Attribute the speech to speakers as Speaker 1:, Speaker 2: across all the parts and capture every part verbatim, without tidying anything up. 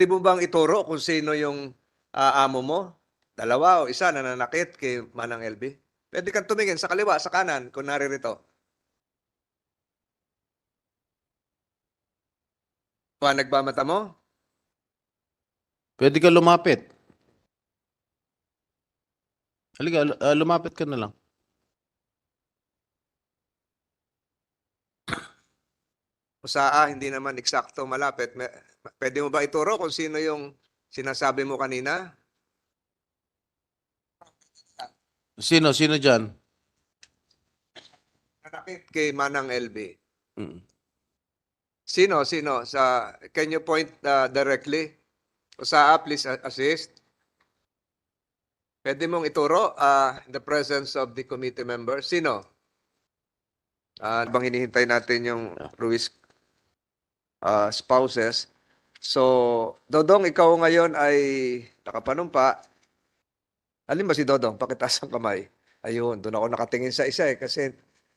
Speaker 1: Di mo bang ituro kung sino yung, ah, amo mo? Dalawa o isa nananakit kay Manang L V? Puwede kang tumingin sa kaliwa, sa kanan kung naririto. Ba nagmamata mo?
Speaker 2: Puwede ka lumapit. Halika, lu ah, lumapit ka na lang.
Speaker 1: O sa A, hindi naman eksakto malapit. Me puwede mo ba ituro kung sino yung sinasabi mo kanina?
Speaker 2: Sino, sino diyan?
Speaker 1: Nanakit kay Manang L V.
Speaker 2: Mm.
Speaker 1: Sino, sino? Sa can you point, ah, directly? O sa A, please a assist. Puwede mong ituro, ah, in the presence of the committee members. Sino? Ah, habang hinihintay natin yung Ruiz, ah, spouses. So, Dodong, ikaw ngayon ay nakapanumpa. Alin ba si Dodong? Pakitaas ang kamay. Ayun, doon ako nakatingin sa isa eh kasi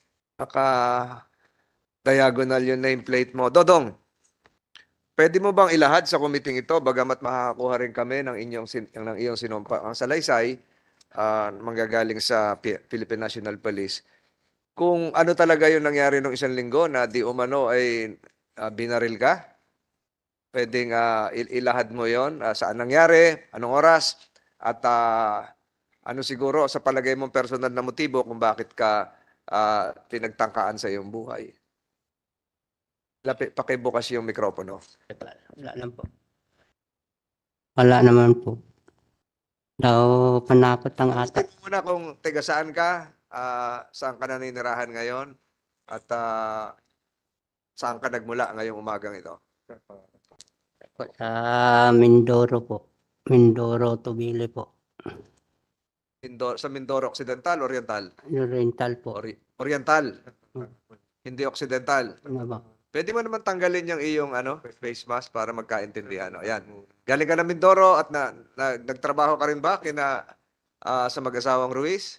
Speaker 1: naka-diagonal yung nameplate mo. Dodong, pwede mo bang ilahad sa committee ito bagamat makakakuha rin kami ng inyong sin ng iyong sinumpa ang salaysay, ah, manggagaling sa Pi- Philippine National Police. Kung ano talaga yung nangyari nung isang linggo na di umano ay ah, binaril ka? Pwedeng ah, il- ilahad mo yon, ah, saan nangyari, anong oras, at ah, ano siguro sa palagay mong personal na motibo kung bakit ka ah, pinagtangkaan sa iyong buhay. Lapit, pakibukas yung mikropono.
Speaker 3: Wala lang po. Wala naman po. Daw panakot ang ata.
Speaker 1: Sabi mo muna kung taga saan ka, ah, saan ka naninirahan ngayon, at ah, saan ka nagmula ngayong umagang ito.
Speaker 3: Po, sa Mindoro po. Mindoro, Tubili po.
Speaker 1: Mindoro, sa Mindoro Occidental, Oriental?
Speaker 3: Oriental po.
Speaker 1: Ori- Oriental. Hindi Occidental.
Speaker 3: Ano ba?
Speaker 1: Pwede mo naman tanggalin yung iyong ano, face mask para magkaintindihan. O, yan. Galing ka ng Mindoro at na, na, nagtrabaho ka rin ba kina ah, sa mag-asawang Ruiz?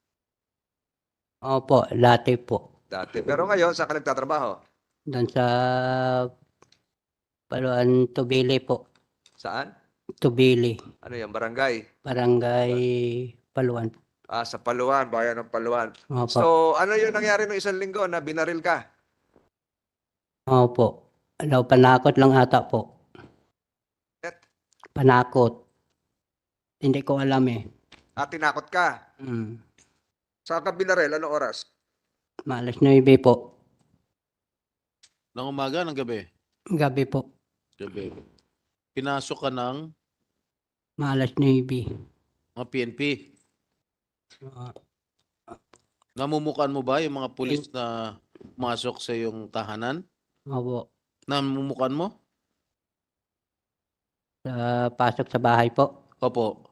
Speaker 3: Opo, dati po.
Speaker 1: Dati. Pero ngayon, saan ka nagtatrabaho?
Speaker 3: Doon sa Paluan, Tubili po.
Speaker 1: Saan?
Speaker 3: Tubili.
Speaker 1: Ano yan? Barangay?
Speaker 3: Barangay Paluan.
Speaker 1: Ah, sa Paluan, bayan ng Paluan.
Speaker 3: Opo.
Speaker 1: So, ano yung nangyari nung isang linggo na binaril ka?
Speaker 3: Opo. Daw panakot lang ata po.
Speaker 1: Et?
Speaker 3: Panakot. Hindi ko alam eh.
Speaker 1: At tinakot ka?
Speaker 3: Hmm.
Speaker 1: Saan ka binaril? Anong oras?
Speaker 3: Malas nuebe po.
Speaker 2: Ng umaga, ng gabi?
Speaker 3: Gabi po.
Speaker 2: Gabi. Pinasok ka ng
Speaker 3: Malas nuebe.
Speaker 2: mga P N P.
Speaker 3: Uh,
Speaker 2: Namumukan mo ba yung mga pulis na pumasok sa iyong tahanan?
Speaker 3: opo.
Speaker 2: Namumukan mo?
Speaker 3: Sa pasok sa bahay po.
Speaker 2: Opo.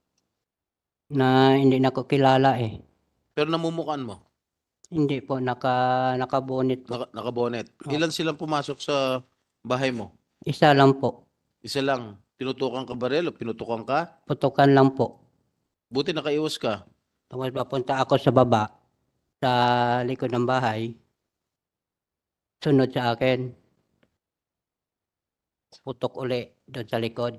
Speaker 3: Na hindi na ko kilala eh.
Speaker 2: Pero namumukan mo?
Speaker 3: Hindi po, naka, nakabonit po.
Speaker 2: Naka, nakabonet.
Speaker 3: Opo.
Speaker 2: Ilan silang pumasok sa bahay mo?
Speaker 3: Isa lang po.
Speaker 2: Isa lang. Tinutukan ka baril o pinutukan ka?
Speaker 3: Putukan lang po.
Speaker 2: Buti nakaiwas ka.
Speaker 3: Tapos papunta ako sa baba, sa likod ng bahay. Sunod sa akin. Putok uli doon sa likod.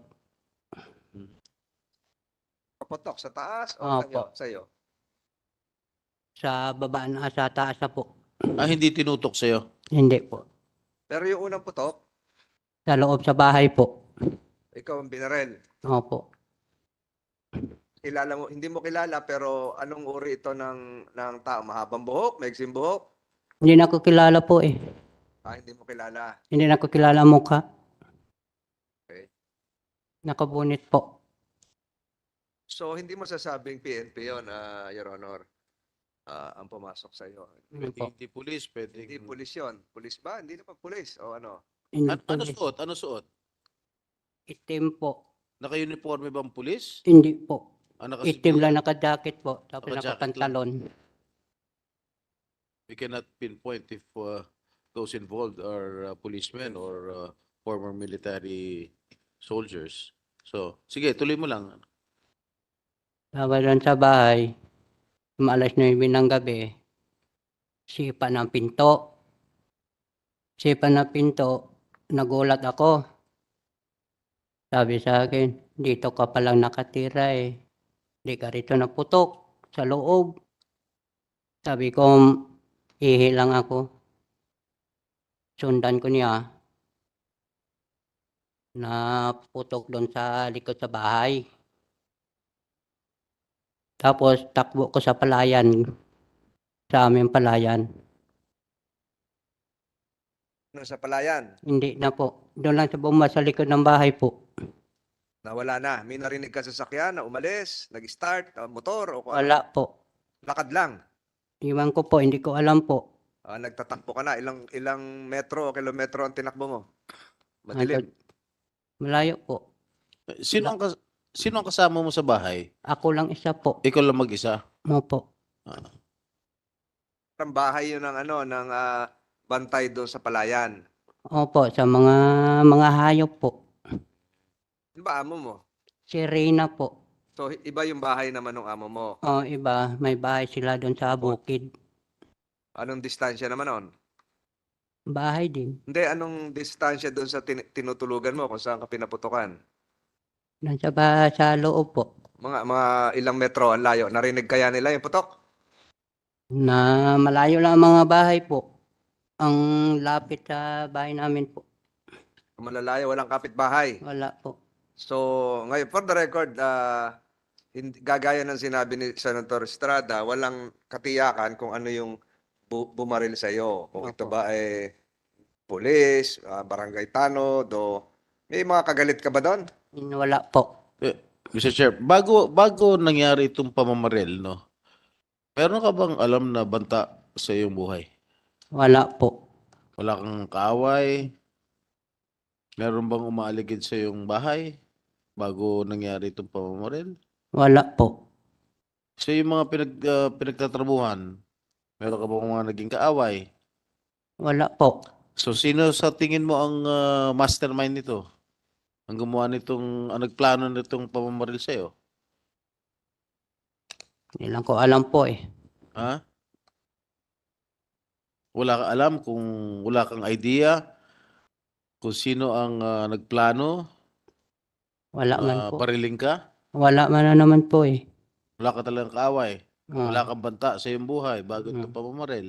Speaker 1: Paputok sa taas o
Speaker 3: Opo.
Speaker 1: sa iyo? Sa iyo?
Speaker 3: Sa baba na, sa taas na po.
Speaker 2: Ah, hindi tinutok sa'yo?
Speaker 3: Hindi po.
Speaker 1: Pero yung unang putok,
Speaker 3: Sa loob sa bahay po.
Speaker 1: ikaw ang binaril.
Speaker 3: Opo.
Speaker 1: Kilala mo, hindi mo kilala pero anong uri ito ng ng tao? Mahabang buhok, maiksing buhok?
Speaker 3: Hindi na ko kilala po eh.
Speaker 1: Ah, hindi mo kilala.
Speaker 3: Hindi na ko kilala ang mukha.
Speaker 1: Okay.
Speaker 3: Nakabunit po.
Speaker 1: So hindi mo sasabing P N P 'yon, ah, Your Honor. Ah, ang pumasok sa iyo.
Speaker 3: Ano
Speaker 2: Pwede
Speaker 3: po?
Speaker 2: hindi pulis, pwede.
Speaker 1: Hindi pulis 'yon. Pulis ba? Hindi naman pulis o ano?
Speaker 3: Hindi
Speaker 2: Ano, ano
Speaker 3: pulis.
Speaker 2: suot? Ano suot?
Speaker 3: Itim po.
Speaker 2: Naka-uniforme bang pulis?
Speaker 3: Hindi po.
Speaker 2: Ah, naka
Speaker 3: Itim lang, naka-jacket po. Tapos
Speaker 2: Naka-jacket
Speaker 3: nakapantalon.
Speaker 2: We cannot pinpoint if uh, those involved are uh, policemen or uh, former military soldiers. So, sige, tuloy mo lang.
Speaker 3: Tapos doon sa bahay, maalas nuebe ng gabi, sipa ng pinto. Sipa ng pinto, nagulat ako. Sabi sa akin, dito ka palang nakatira eh. Di ka rito naputok sa loob. Sabi ko, ihi lang ako. Sundan ko niya. Naputok doon sa likod sa bahay. Tapos takbo ko sa palayan. Sa aming palayan.
Speaker 1: Ano, sa palayan?
Speaker 3: Hindi na po. Doon lang sa buma sa likod ng bahay po.
Speaker 1: Nawala na. May narinig ka sa sakyan na umalis, nag-start, ah, motor, o kung ano.
Speaker 3: Wala po.
Speaker 1: Lakad lang.
Speaker 3: Iwan ko po, hindi ko alam po.
Speaker 1: Ah, nagtatakbo ka na. Ilang ilang metro o kilometro ang tinakbo mo?
Speaker 3: Hanggang-
Speaker 1: Madilim.
Speaker 3: Malayo po.
Speaker 2: Sino ang, kas- sino ang kasama mo sa bahay?
Speaker 3: Ako lang isa po.
Speaker 2: Ikaw lang mag-isa?
Speaker 3: Mo po.
Speaker 1: Ang bahay yun ng ano, ng ah, bantay doon sa palayan.
Speaker 3: Opo, sa mga mga hayop po.
Speaker 1: Ano ba amo mo?
Speaker 3: Si Reyna po.
Speaker 1: So, iba yung bahay naman ng amo mo.
Speaker 3: O iba, may bahay sila doon sa bukid.
Speaker 1: Anong distansya naman nun?
Speaker 3: Bahay din.
Speaker 1: Hindi, anong distansya doon sa tin- tinutulugan mo kung saan ka pinaputukan?
Speaker 3: Doon sa, ba, sa loob po.
Speaker 1: Mga mga ilang metro ang layo. Narinig kaya nila yung putok?
Speaker 3: Na malayo lang ang mga bahay po. Ang lapit sa bahay namin po.
Speaker 1: Malalayo, walang kapitbahay.
Speaker 3: Wala po.
Speaker 1: So, ngayon, for the record, ah, hindi, gagaya ng sinabi ni Senator Estrada, walang katiyakan kung ano yung bu- bumaril sa iyo. Kung ito
Speaker 3: Opo.
Speaker 1: ba ay pulis, ah, barangay tanod, o may mga kagalit ka ba doon?
Speaker 3: Wala po.
Speaker 2: Eh, mister Chair, bago bago nangyari itong pamamaril, no? Meron ka bang alam na banta sa iyong buhay?
Speaker 3: Wala po.
Speaker 2: Wala kang kaaway? Meron bang umaaligid sa iyong bahay bago nangyari itong pamamaril?
Speaker 3: Wala po.
Speaker 2: Sa yung mga pinag, ah, pinagtatrabuhan, meron ka bang mga naging kaaway?
Speaker 3: Wala po.
Speaker 2: So, sino sa tingin mo ang ah, mastermind nito? Ang gumawa nitong, ang nagplano nitong pamamaril sa iyo?
Speaker 3: Hindi lang ko alam po eh.
Speaker 2: Ha? Wala ka alam kung wala kang idea kung sino ang ah, nagplano,
Speaker 3: Wala man
Speaker 2: uh,
Speaker 3: po.
Speaker 2: bariling ka,
Speaker 3: Wala man na naman po eh.
Speaker 2: wala ka talagang kaaway,
Speaker 3: Ah,
Speaker 2: wala kang banta sa iyong buhay bago ito
Speaker 3: Mm.
Speaker 2: pamamaril.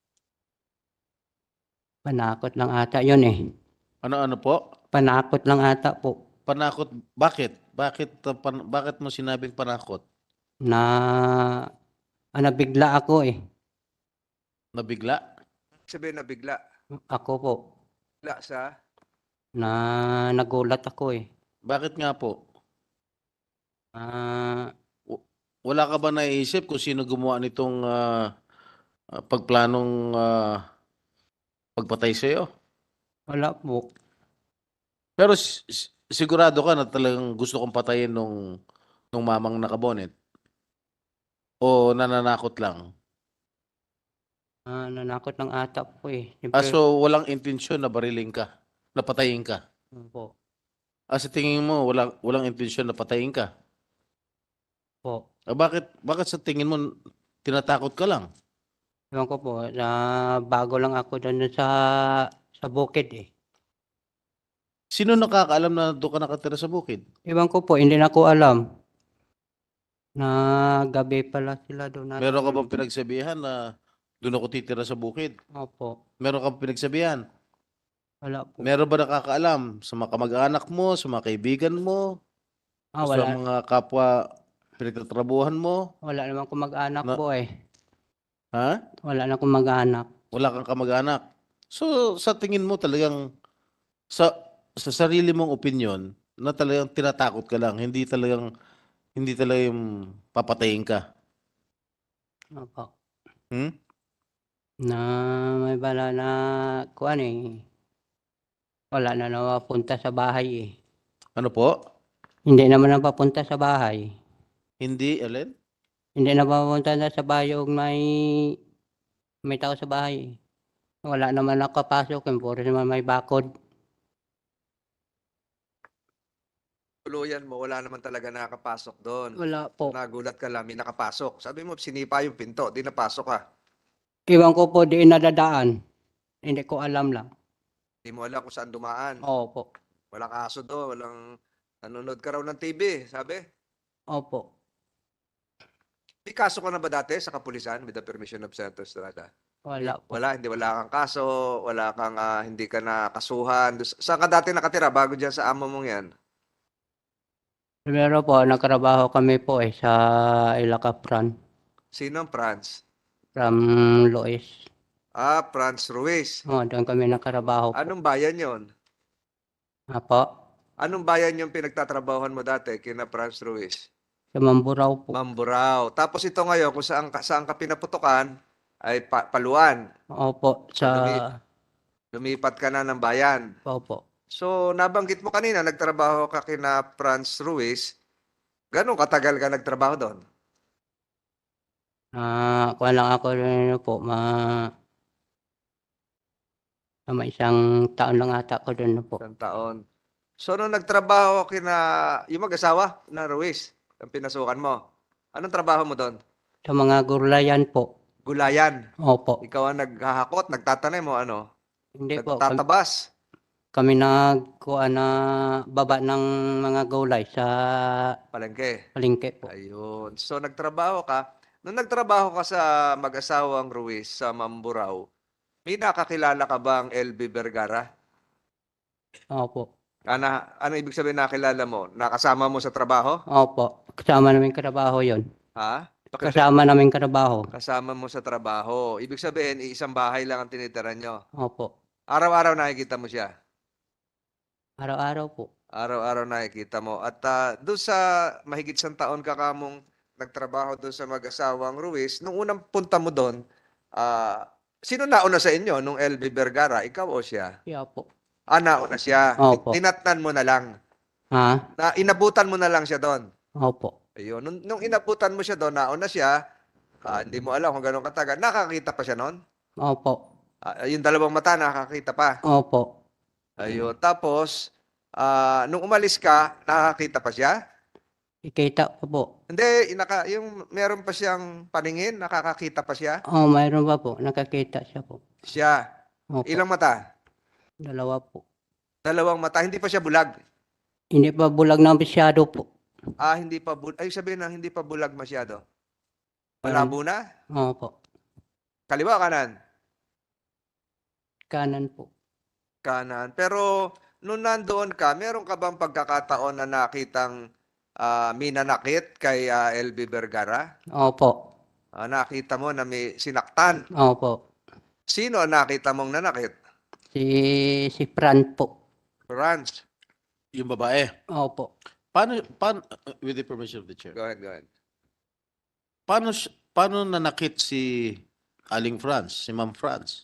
Speaker 3: Panakot lang ata yun eh.
Speaker 2: Ano-ano po?
Speaker 3: Panakot lang ata po.
Speaker 2: Panakot, bakit? Bakit, ah, pan- bakit mo sinabing panakot?
Speaker 3: Na ah, nabigla ako eh.
Speaker 2: Nabigla?
Speaker 1: Sabihin na bigla.
Speaker 3: Ako po.
Speaker 1: Bigla sa...
Speaker 3: Na nagulat ako eh.
Speaker 2: Bakit nga po?
Speaker 3: Ah,
Speaker 2: Wala ka ba naiisip kung sino gumawa nitong ah, ah, pagplanong ah, pagpatay sa iyo?
Speaker 3: wala po.
Speaker 2: Pero s- s- sigurado ka na talagang gusto kong patayin nung, nung mamang nakabonet? O nananakot lang?
Speaker 3: Ah, nanakot lang ata po eh.
Speaker 2: Ah,
Speaker 3: Siyempre,
Speaker 2: so walang intensyon na bariling ka, na patayin ka?
Speaker 3: po.
Speaker 2: Ah, sa tingin mo, walang, walang intensyon na patayin ka?
Speaker 3: Po.
Speaker 2: Ah, bakit, bakit sa tingin mo tinatakot ka lang?
Speaker 3: Ewan ko po, na bago lang ako doon sa sa bukid eh.
Speaker 2: Sino nakakaalam na doon ka nakatira sa bukid?
Speaker 3: Ewan ko po, hindi na ko alam. Na gabi pala sila doon. na-
Speaker 2: Meron ka bang pinagsabihan na doon ako titira sa bukid?
Speaker 3: Opo.
Speaker 2: Meron ka bang pinagsabihan?
Speaker 3: Wala po.
Speaker 2: Meron ba nakakaalam sa mga kamag-anak mo, sa mga kaibigan mo,
Speaker 3: Ah,
Speaker 2: sa
Speaker 3: wala.
Speaker 2: mga kapwa pinagtatrabuhan mo?
Speaker 3: Wala naman akong mag-anak
Speaker 2: Na-
Speaker 3: po eh.
Speaker 2: Ha?
Speaker 3: Wala na akong mag-anak.
Speaker 2: Wala kang kamag-anak. So, sa tingin mo talagang sa sa sarili mong opinion na talagang tinatakot ka lang, hindi talagang hindi talagang papatayin ka.
Speaker 3: Opo.
Speaker 2: Hmm?
Speaker 3: Na may bala na kuan eh. Wala na napapunta sa bahay eh.
Speaker 2: Ano po?
Speaker 3: Hindi naman napapunta sa bahay.
Speaker 2: Hindi, Ellen?
Speaker 3: Hindi napapunta na sa bahay yung may may tao sa bahay eh. Wala naman nakapasok, yung puro naman may bakod.
Speaker 1: Tuluyan mo, wala naman talaga nakapasok doon.
Speaker 3: Wala po.
Speaker 1: Nagulat ka lang, may nakapasok. Sabi mo, sinipa yung pinto, di napasok ka.
Speaker 3: Iwan ko po di nadadaan. Hindi ko alam lang.
Speaker 1: Di mo alam kung saan dumaan.
Speaker 3: Opo.
Speaker 1: Walang aso doon, walang Nanonood ka raw ng T V, sabi.
Speaker 3: Opo.
Speaker 1: May kaso ka na ba dati sa kapulisan with the permission of Senator Estrada?
Speaker 3: Wala po.
Speaker 1: Wala, hindi wala kang kaso, wala kang ah, hindi ka nakasuhan. Dus- Saan ka dati nakatira bago diyan sa amo mong 'yan?
Speaker 3: Primero po, nagtrabaho kami po eh sa Ilacapran
Speaker 1: Sino ang Franz?
Speaker 3: from Lois.
Speaker 1: Ah, Franz Ruiz.
Speaker 3: Oh, doon kami nagtrabaho po.
Speaker 1: Anong bayan 'yon?
Speaker 3: Apo,
Speaker 1: Anong bayan yung pinagtatrabahuhan mo dati kina Franz Ruiz?
Speaker 3: sa Mamburao po.
Speaker 1: Mamburao. Tapos ito ngayon, kung saan ka, saan ka pinaputukan, ay pa, Paluan.
Speaker 3: Opo,
Speaker 1: So,
Speaker 3: sa...
Speaker 1: lumi- lumipat ka na ng bayan.
Speaker 3: Opo.
Speaker 1: So, nabanggit mo kanina, nagtrabaho ka kina Franz Ruiz. Gano'ng katagal ka nagtrabaho doon?
Speaker 3: Ah, kuha lang ako rin po, ma... Tama, isang taon lang ata ko doon po.
Speaker 1: Isang taon. So, nung nagtrabaho kina, yung mag-asawa na Ruiz, ang pinasukan mo, anong trabaho mo doon?
Speaker 3: Sa mga gulayan po.
Speaker 1: Gulayan.
Speaker 3: Opo.
Speaker 1: Ikaw ang naghahakot, nagtatanim mo, ano?
Speaker 3: Hindi po, kami,
Speaker 1: Nagtatabas.
Speaker 3: kami nagkuha na baba ng mga gulay sa
Speaker 1: Palengke.
Speaker 3: palengke po.
Speaker 1: Ayun. So, nagtrabaho ka. Nung nagtrabaho ka sa mag-asawang Ruiz sa Mamburao, may nakakilala ka bang L B Vergara?
Speaker 3: Opo.
Speaker 1: Ano, ano ibig sabihin nakilala mo? Nakasama mo sa trabaho?
Speaker 3: Opo. Kasama namin trabaho yon.
Speaker 1: Ha? Bakit
Speaker 3: Kasama namin trabaho.
Speaker 1: kasama mo sa trabaho? Ibig sabihin, isang bahay lang ang tinitira nyo.
Speaker 3: Opo.
Speaker 1: Araw-araw nakikita mo siya.
Speaker 3: Araw-araw po.
Speaker 1: Araw-araw nakikita mo. At ah, doon sa mahigit isang taon ka kamong nagtrabaho doon sa mag-asawang Ruiz, nung unang punta mo doon, ah, sino nauna sa inyo nung L B Vergara? Ikaw o siya?
Speaker 3: Siya po.
Speaker 1: Ah, nauna siya.
Speaker 3: Opo.
Speaker 1: Tinatnan mo na lang.
Speaker 3: Ha?
Speaker 1: Na, inabutan mo na lang siya doon.
Speaker 3: Opo.
Speaker 1: Ayun. Nung, nung inabutan mo siya doon, nauna siya, ah, hindi mo alam kung gano'ng katagal. Nakakita pa siya noon?
Speaker 3: Opo.
Speaker 1: Ah, yung dalawang mata, nakakita pa.
Speaker 3: Opo.
Speaker 1: Ayun. Tapos, ah, nung umalis ka, nakakita pa siya?
Speaker 3: Ikita ko po.
Speaker 1: Hindi, inaka, yung meron pa siyang paningin, nakakakita pa siya?
Speaker 3: Oh, mayroon pa po. Nakakita siya po.
Speaker 1: Siya.
Speaker 3: Opo.
Speaker 1: Ilang mata?
Speaker 3: Dalawa po.
Speaker 1: Dalawang mata. Hindi pa siya bulag.
Speaker 3: Hindi pa bulag na masyado po.
Speaker 1: Ah, hindi pa bulag. Ay, sabihin na, hindi pa bulag masyado.
Speaker 3: Parang-
Speaker 1: Malabo na?
Speaker 3: Opo.
Speaker 1: Kaliwa, kanan?
Speaker 3: Kanan po.
Speaker 1: Kanan. Pero, nung nandoon ka, meron ka bang pagkakataon na nakitang ah, minanakit kay ah, L B Vergara?
Speaker 3: Opo.
Speaker 1: Ah, nakita mo na may sinaktan.
Speaker 3: Opo.
Speaker 1: Sino ang nakita mong nanakit?
Speaker 3: Si si Fran po.
Speaker 1: Franz.
Speaker 2: Yung babae.
Speaker 3: Opo.
Speaker 2: Paano, paano, uh, with the permission of the chair,
Speaker 1: Go ahead, go ahead.
Speaker 2: paano, si- paano nanakit si Aling Franz, si Ma'am Franz?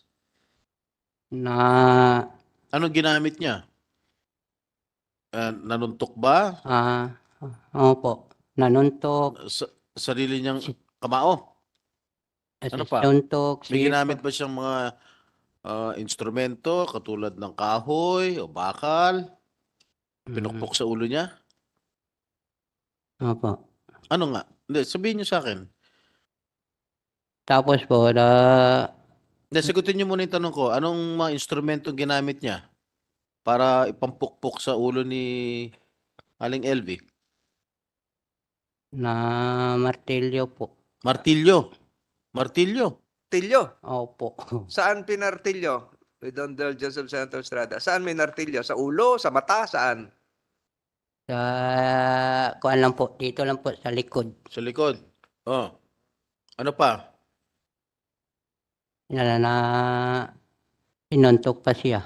Speaker 3: Na
Speaker 2: Anong ginamit niya? Uh, nanuntok ba?
Speaker 3: ah opo. Nanuntok.
Speaker 2: Sa, sarili niyang kamao? Ano pa?
Speaker 3: Nanuntok.
Speaker 2: May
Speaker 3: si-
Speaker 2: ginamit ba siyang mga uh, instrumento katulad ng kahoy o bakal? Pinukpok sa ulo niya?
Speaker 3: Opo.
Speaker 2: Ano nga? Hindi, sabihin niyo sa akin.
Speaker 3: Tapos po, na
Speaker 2: Hindi, sagutin niyo muna yung tanong ko. Anong mga instrumento ginamit niya para ipampukpok sa ulo ni Aling L V?
Speaker 3: na martilyo po.
Speaker 2: Martilyo. Martilyo.
Speaker 1: Tilyo.
Speaker 3: Opo.
Speaker 1: Saan pinartilyo? With the indulgence of Senator Estrada. Saan may nartilyo? Sa ulo? Sa mata? Saan?
Speaker 3: Sa kuan lang po, dito lang po sa likod.
Speaker 2: Sa likod. Oh. Ano pa?
Speaker 3: Na, na sinuntok pa siya.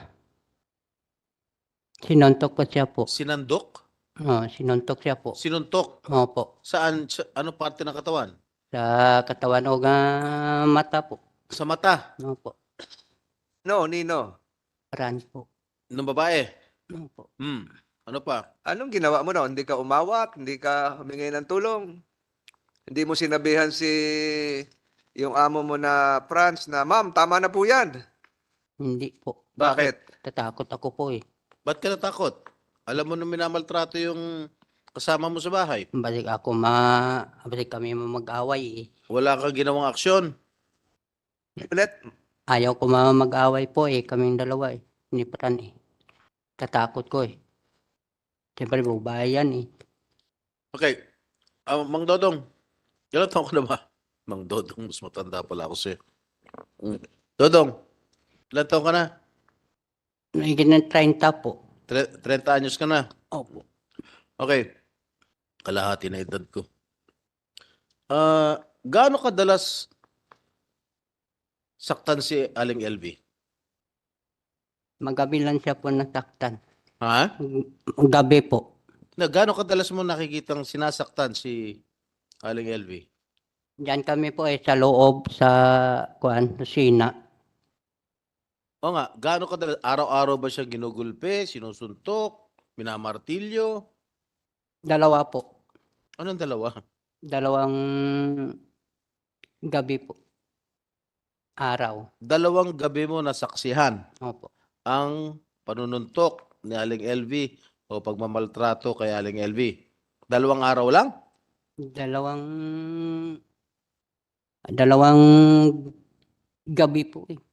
Speaker 3: Sinuntok pa siya po.
Speaker 2: Sinandok?
Speaker 3: Oh, sinuntok siya po.
Speaker 2: Sinuntok?
Speaker 3: Opo.
Speaker 2: Saan? Sa, ano parte ng katawan?
Speaker 3: Sa katawan o nga mata po.
Speaker 2: Sa mata
Speaker 3: Opo.
Speaker 1: No, Nino.
Speaker 3: Fran po.
Speaker 2: ng babae.
Speaker 3: Opo.
Speaker 2: Hmm. Ano pa?
Speaker 1: Anong ginawa mo na? Hindi ka umawat? Hindi ka humingi ng tulong? Hindi mo sinabihan si yung amo mo na Franz na, Ma'am, tama na po yan.
Speaker 3: Hindi po.
Speaker 1: Bakit?
Speaker 3: Tatakot ako po eh.
Speaker 2: Ba't ka natakot? Alam mo na minamaltrato yung kasama mo sa bahay.
Speaker 3: Balik ako ma... Balik kami mag-away eh.
Speaker 2: Wala kang ginawang aksyon.
Speaker 1: Ulit?
Speaker 3: Ayaw ko ma mag-away po eh. Kaming dalawa eh. Ni Fran eh. Tatakot ko eh. Siyempre, bubayan yan eh.
Speaker 2: Okay. Ah, Mang Dodong, ilan taon ka na ba? Mang Dodong, mas matanda pala ako sa'yo. Mm. Dodong, ilan taon ka na?
Speaker 3: Higit ng thirty po.
Speaker 2: Tre- trenta anyos ka na.
Speaker 3: Opo.
Speaker 2: Okay. Kalahati na edad ko. Ah, gaano kadalas saktan si Aling L V?
Speaker 3: Magabi lang siya po nasaktan.
Speaker 2: Ha?
Speaker 3: Gabi po.
Speaker 2: Na, gaano kadalas mo nakikitang sinasaktan si Aling L V?
Speaker 3: Diyan kami po eh sa loob sa kuan, kusina.
Speaker 2: O nga, gaano kadalas? Araw-araw ba siya ginugulpe, sinusuntok, minamartilyo?
Speaker 3: Dalawa po.
Speaker 2: Anong dalawa?
Speaker 3: Dalawang gabi po. Araw.
Speaker 2: Dalawang gabi mo nasaksihan
Speaker 3: Opo.
Speaker 2: ang panununtok ni Aling L V o pagmamaltrato kay Aling L V. Dalawang araw lang?
Speaker 3: Dalawang dalawang gabi po eh.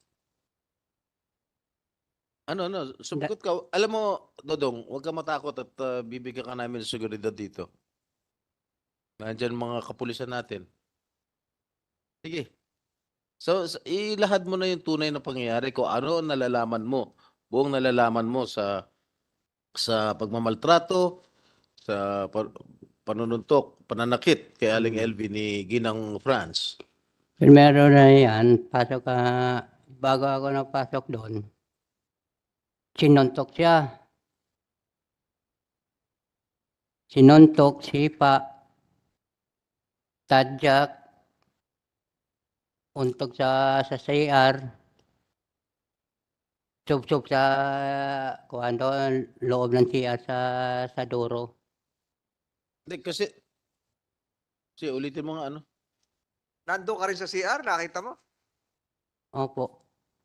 Speaker 2: Ano, ano, sumagot ka. Alam mo, Dodong, huwag ka matakot at uh, bibigyan ka namin ng seguridad dito. Nandyan mga kapulisan natin. Sige. So, s- ilahad mo na yung tunay na pangyayari kung ano ang nalalaman mo. Buong nalalaman mo sa sa pagmamaltrato, sa pa- panununtok, pananakit kay Aling L V ni Ginang France.
Speaker 3: Primero na yan, pasok ka, bago ako napasok doon, sinuntok siya. Sinuntok, sipa, tadyak, untog sa sa C R, sub-sub sa kuan doon, loob ng C R sa sa duro.
Speaker 2: Hindi, kasi, kasi ulitin mo nga ano.
Speaker 1: Nandun ka rin sa C R, nakita mo?
Speaker 3: Opo.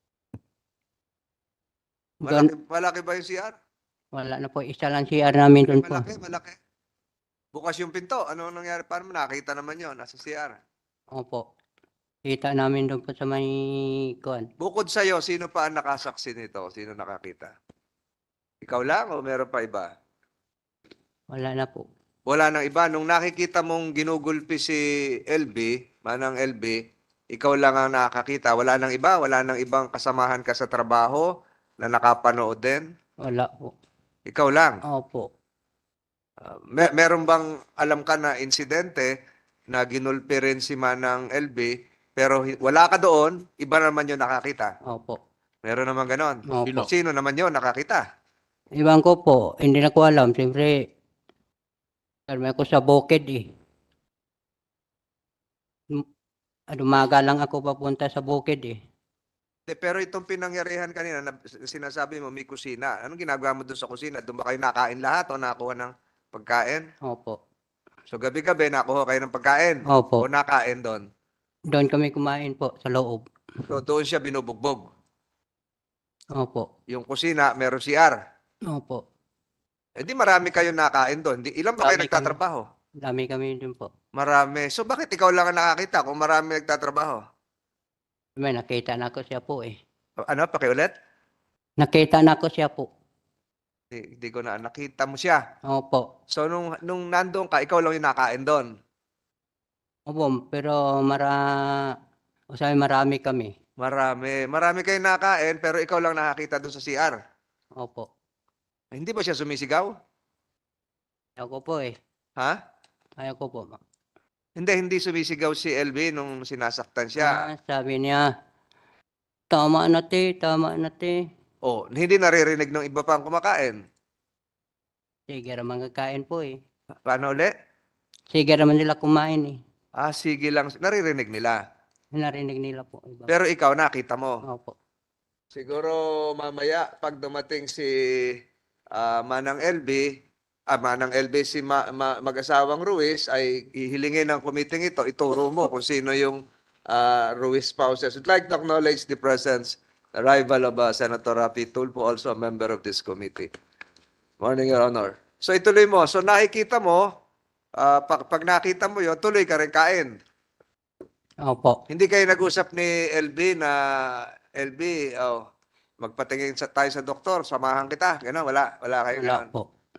Speaker 1: Malaki,
Speaker 3: Doon,
Speaker 1: malaki ba yung C R?
Speaker 3: wala na po, isa lang C R namin doon po.
Speaker 1: Malaki, malaki. Bukas yung pinto. Ano nangyari? Paano mo nakita naman yun? Nasa C R.
Speaker 3: Opo. Kita namin doon po sa may kuan.
Speaker 1: Bukod sa'yo, sino pa ang nakasaksi nito? Sino nakakita? Ikaw lang o meron pa iba?
Speaker 3: Wala na po.
Speaker 1: Wala nang iba. Nung nakikita mong ginugulpi si L B, manang L B, ikaw lang ang nakakita. Wala nang iba. Wala nang ibang kasamahan ka sa trabaho na nakapanood din.
Speaker 3: Wala po.
Speaker 1: Ikaw lang.
Speaker 3: Opo.
Speaker 1: Uh, mer- meron bang alam ka na insidente na ginulpi rin si manang L B pero hi- wala ka doon, iba naman yung nakakita.
Speaker 3: Opo.
Speaker 1: Meron naman ganon.
Speaker 3: Opo.
Speaker 2: Sino?
Speaker 1: Sino naman yun nakakita?
Speaker 3: Iwan ko po, hindi na ko alam. Siyempre, karmi ako sa bukid eh. Dum- Dumaga lang ako papunta sa bukid eh.
Speaker 1: De, pero itong pinangyarihan kanina, na sinasabi mo may kusina. Anong ginagawa mo doon sa kusina? Doon ba kayo nakain lahat o nakuha ng pagkain?
Speaker 3: Opo.
Speaker 1: So gabi-gabi nakuha kayo ng pagkain
Speaker 3: Opo.
Speaker 1: o nakain doon.
Speaker 3: Doon kami kumain po sa loob.
Speaker 1: So doon siya binubugbog.
Speaker 3: Opo.
Speaker 1: Yung kusina, meron C R.
Speaker 3: Opo.
Speaker 1: Eh di marami kayo nakain doon. Di, ilan ba kayo
Speaker 3: Marami kami.
Speaker 1: nagtatrabaho?
Speaker 3: Dami kami doon po.
Speaker 1: Marami. So bakit ikaw lang ang nakakita kung marami nagtatrabaho?
Speaker 3: May nakita na ko siya po eh.
Speaker 1: Ano, pakiulit?
Speaker 3: Nakita na ko siya po.
Speaker 1: Hindi, hindi ko na nakita mo siya.
Speaker 3: Opo.
Speaker 1: So nung nung nandoon ka, ikaw lang yung nakain doon.
Speaker 3: Opo, pero mara... O sabi, marami kami.
Speaker 1: Marami. Marami kayong nakain pero ikaw lang nakakita doon sa C R.
Speaker 3: Opo.
Speaker 1: Eh, Hindi ba siya sumisigaw?
Speaker 3: Ayaw ko po eh.
Speaker 1: Ha?
Speaker 3: Ayaw ko po.
Speaker 1: Hindi, hindi sumisigaw si L B nung sinasaktan siya.
Speaker 3: Ah, sabi niya, tama na te, tama na te.
Speaker 1: Oh, hindi naririnig ng iba pang kumakain.
Speaker 3: Sige naman kakain po eh.
Speaker 1: Paano uli?
Speaker 3: Sige naman nila kumain eh.
Speaker 1: Ah, sige lang. Naririnig nila.
Speaker 3: Narinig nila po. Iba.
Speaker 1: Pero ikaw nakita mo.
Speaker 3: Opo.
Speaker 1: Siguro mamaya pag dumating si ah, Manang L B, ah, Manang L B si ma- ma- mag-asawang Ruiz ay ihilingin ng committee ito, ituro mo kung sino yung ah, Ruiz spouses. I'd like to acknowledge the presence, arrival of ah, Senator Rapi Tulfo, also a member of this committee. Morning, Your Honor. So ituloy mo. So nakikita mo, ah, pag, pag nakita mo yon, tuloy ka rin kain.
Speaker 3: Opo.
Speaker 1: Hindi kayo nag-usap ni L B na, L B, oh, magpatingin sa, tayo sa doktor, samahan kita. Gano'n, wala. Wala kayo
Speaker 3: Wala
Speaker 1: gano'n.
Speaker 3: po.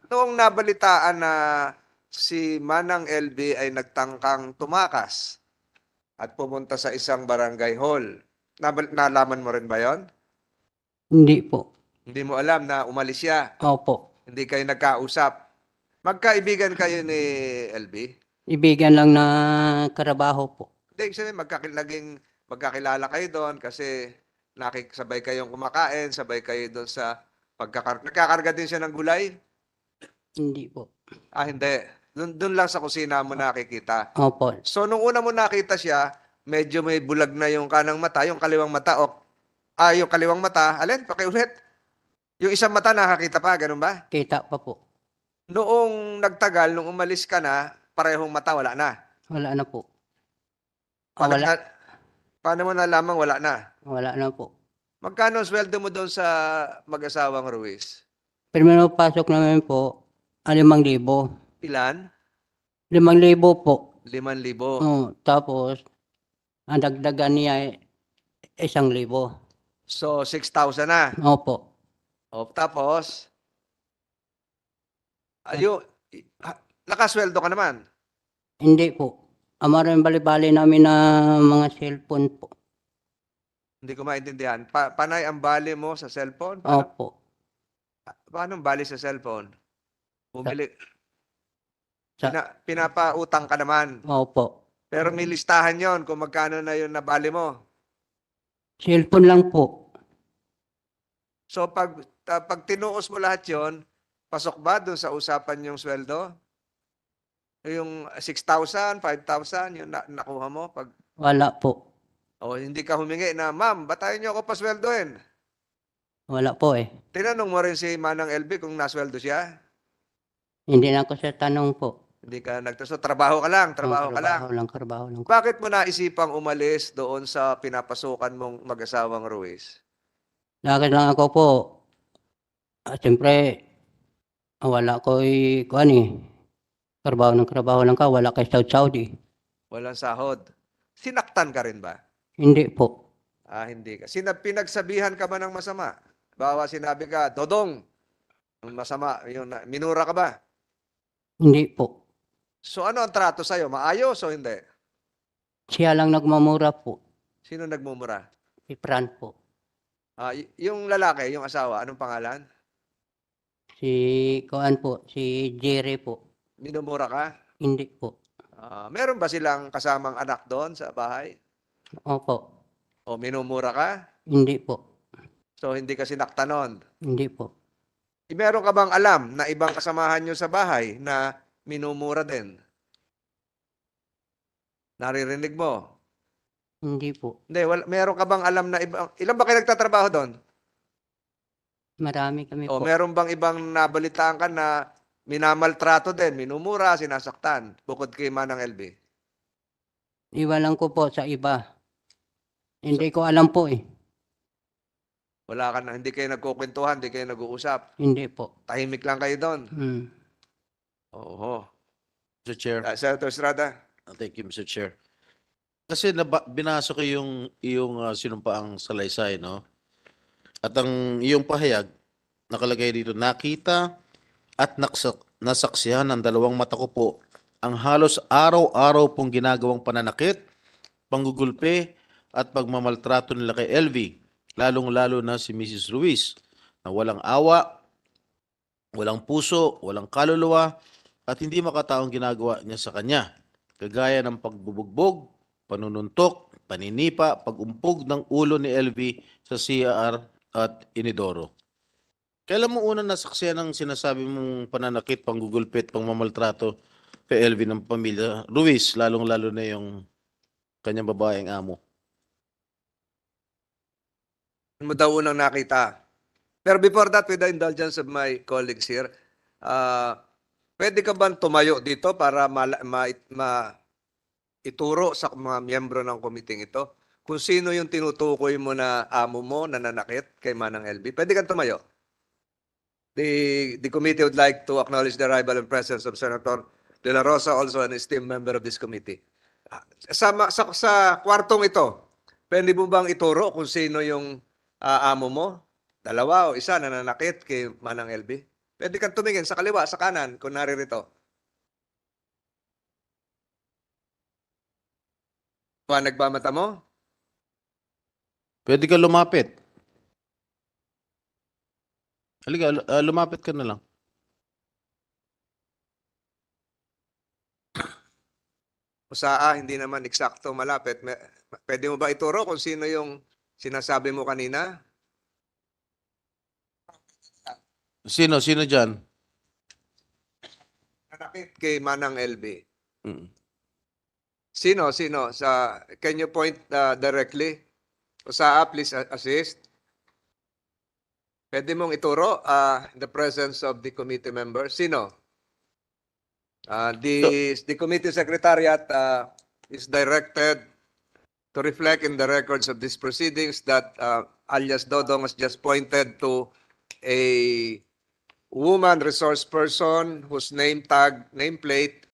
Speaker 1: noong nabalitaan na si Manang L B ay nagtangkang tumakas at pumunta sa isang barangay hall, nabal- nalaman mo rin ba yon?
Speaker 3: Hindi po.
Speaker 1: Hindi mo alam na umalis siya.
Speaker 3: Opo.
Speaker 1: Hindi kayo nagkausap. Magkaibigan kayo ni L B?
Speaker 3: Ibigan lang na karabaho po.
Speaker 1: Hindi, ibig sabihin, magkakil naging magkakilala kayo doon kasi nakikisabay kayong kumakain, sabay kayo doon sa pagkakar... Nagkakarga din siya ng gulay?
Speaker 3: Hindi po.
Speaker 1: Ah, hindi. Doon, doon lang sa kusina mo nakikita.
Speaker 3: Opo.
Speaker 1: So, nung una mo nakita siya, medyo may bulag na yung kanang mata, yung kaliwang mata, o, ah, yung kaliwang mata, alin, pakiulit. Yung isang mata nakakita pa, ganun ba?
Speaker 3: Kita pa po.
Speaker 1: Noong nagtagal, nung umalis ka na, parehong mata, wala na.
Speaker 3: Wala na po. Ah,
Speaker 1: Paano,
Speaker 3: wala.
Speaker 1: na, paano mo nalaman wala na?
Speaker 3: Wala na po.
Speaker 1: Magkano ang sweldo mo doon sa mag-asawang Ruiz?
Speaker 3: Primero pasok namin po, ah, limang libo.
Speaker 1: Ilan?
Speaker 3: Limang libo po.
Speaker 1: Liman libo.
Speaker 3: Oh, tapos, ang dagdagan niya ay isang libo.
Speaker 1: So, six thousand na.
Speaker 3: Opo.
Speaker 1: O, tapos, ayo, ha- nakasweldo ka naman.
Speaker 3: Hindi po. Amaran bali-bali namin na mga cellphone po.
Speaker 1: Hindi ko maintindihan. Pa panay ang bali mo sa cellphone? Paano,
Speaker 3: Opo.
Speaker 1: paano ang bali sa cellphone? Bumili.
Speaker 3: Sa-
Speaker 1: Pina, pinapautang ka naman.
Speaker 3: Opo.
Speaker 1: Pero may listahan yon kung magkano na yun na bali mo.
Speaker 3: Cellphone lang po.
Speaker 1: So, pag, ta- pag tinuos mo lahat yon, pasok ba doon sa usapan yung sweldo? Yung six thousand, five thousand, yung na- nakuha mo? Pag,
Speaker 3: Wala po.
Speaker 1: o hindi ka humingi na, ma'am, batayin niyo ako pasweldohin.
Speaker 3: Wala po eh.
Speaker 1: Tinanong mo rin si Manang L B kung nasweldo siya?
Speaker 3: Hindi na ako sa tanong po.
Speaker 1: Hindi ka nagtaso. Trabaho ka lang, trabaho
Speaker 3: Oh,
Speaker 1: ka lang.
Speaker 3: Trabaho lang, trabaho lang.
Speaker 1: Bakit mo naisipang umalis doon sa pinapasukan mong mag-asawang Ruiz?
Speaker 3: Lakad lang ako po. At siyempre, ah, wala ko eh, kuhan eh. Trabaho ng trabaho lang ka, wala kay Saudi Saudi.
Speaker 1: Walang sahod. Sinaktan ka rin ba?
Speaker 3: Hindi po.
Speaker 1: Ah, hindi ka. Sinab pinagsabihan ka ba ng masama? Bawa sinabi ka, Dodong, ang masama, yun, na- minura ka ba?
Speaker 3: Hindi po.
Speaker 1: So ano ang trato sa'yo? Maayos o hindi?
Speaker 3: Siya lang nagmamura po.
Speaker 1: Sino nagmumura?
Speaker 3: Si Fran po.
Speaker 1: Ah, y- yung lalaki, yung asawa, anong pangalan?
Speaker 3: Si kuhan po, si Jerry po.
Speaker 1: Minumura ka?
Speaker 3: Hindi po.
Speaker 1: Ah, meron ba silang kasamang anak doon sa bahay?
Speaker 3: Opo.
Speaker 1: O minumura ka?
Speaker 3: Hindi po.
Speaker 1: So hindi ka sinaktan nun?
Speaker 3: Hindi po.
Speaker 1: Eh, meron ka bang alam na ibang kasamahan nyo sa bahay na minumura din? Naririnig mo?
Speaker 3: Hindi po.
Speaker 1: Hindi, wala, meron ka bang alam na ibang, ilan ba kayo nagtatrabaho doon?
Speaker 3: Marami kami
Speaker 1: O
Speaker 3: po.
Speaker 1: meron bang ibang nabalitaan ka na minamaltrato din, minumura, sinasaktan, bukod kay Manang L B?
Speaker 3: Iwan lang ko po sa iba. Hindi ko alam po eh.
Speaker 1: Wala ka na, hindi kayo nagkukwentuhan, hindi kayo nag-uusap.
Speaker 3: Hindi po.
Speaker 1: Tahimik lang kayo doon.
Speaker 3: Hmm.
Speaker 1: Oo.
Speaker 2: Mister Chair.
Speaker 1: Uh, Senator Estrada?
Speaker 2: Uh, Thank you, Mister Chair. Kasi naba, binasa ko yung iyong uh, sinumpaang salaysay, no? At ang iyong pahayag, nakalagay dito, nakita at naksak, nasaksihan ng dalawang mata ko po ang halos araw-araw pong ginagawang pananakit, panggugulpe, at pagmamaltrato nila kay L V, lalong-lalo na si Missus Ruiz, na walang awa, walang puso, walang kaluluwa, at hindi makataong ginagawa niya sa kanya, kagaya ng pagbubugbog, panununtok, paninipa, pagumpog ng ulo ni L V sa C R at Inidoro. Kailan mo unang nasaksihan ng sinasabi mong pananakit, panggugulpit, pangmamaltrato kay L V ng pamilya Ruiz, lalong-lalo na yung kanyang babaeng amo?
Speaker 1: Ano mo daw unang nakita? Pero before that, with the indulgence of my colleagues here, uh, pwede ka ba tumayo dito para ma, ma, ma ituro sa mga miyembro ng committee ito kung sino yung tinutukoy mo na amo mo na nanakit kay Manang L B? Pwede kang tumayo. The, the committee would like to acknowledge the arrival and presence of Senator De La Rosa, also an esteemed member of this committee. Ah, Sa, sa, sa kwartong ito, pwede mo bang ituro kung sino yung ah, amo mo? Dalawa o isa na nanakit kay Manang L B? Pwede kang tumingin sa kaliwa, sa kanan, kung naririto. Liwanag ba mata mo?
Speaker 2: Pwede ka lumapit. Halika, lu- ah, lumapit ka na lang.
Speaker 1: O sa A, hindi naman eksakto malapit. Me- Pwede mo ba ituro kung sino yung sinasabi mo kanina?
Speaker 2: Sino? Sino dyan?
Speaker 1: Nanakit kay Manang L B.
Speaker 2: Mm.
Speaker 1: Sino? Sino? Sa, can you point uh, directly? O sa A, please a- assist. Pwede mong ituro uh, in the presence of the committee members. Sino? Uh, the, the committee secretariat uh, is directed to reflect in the records of these proceedings that uh, alias Dodong has just pointed to a woman resource person whose name tag, nameplate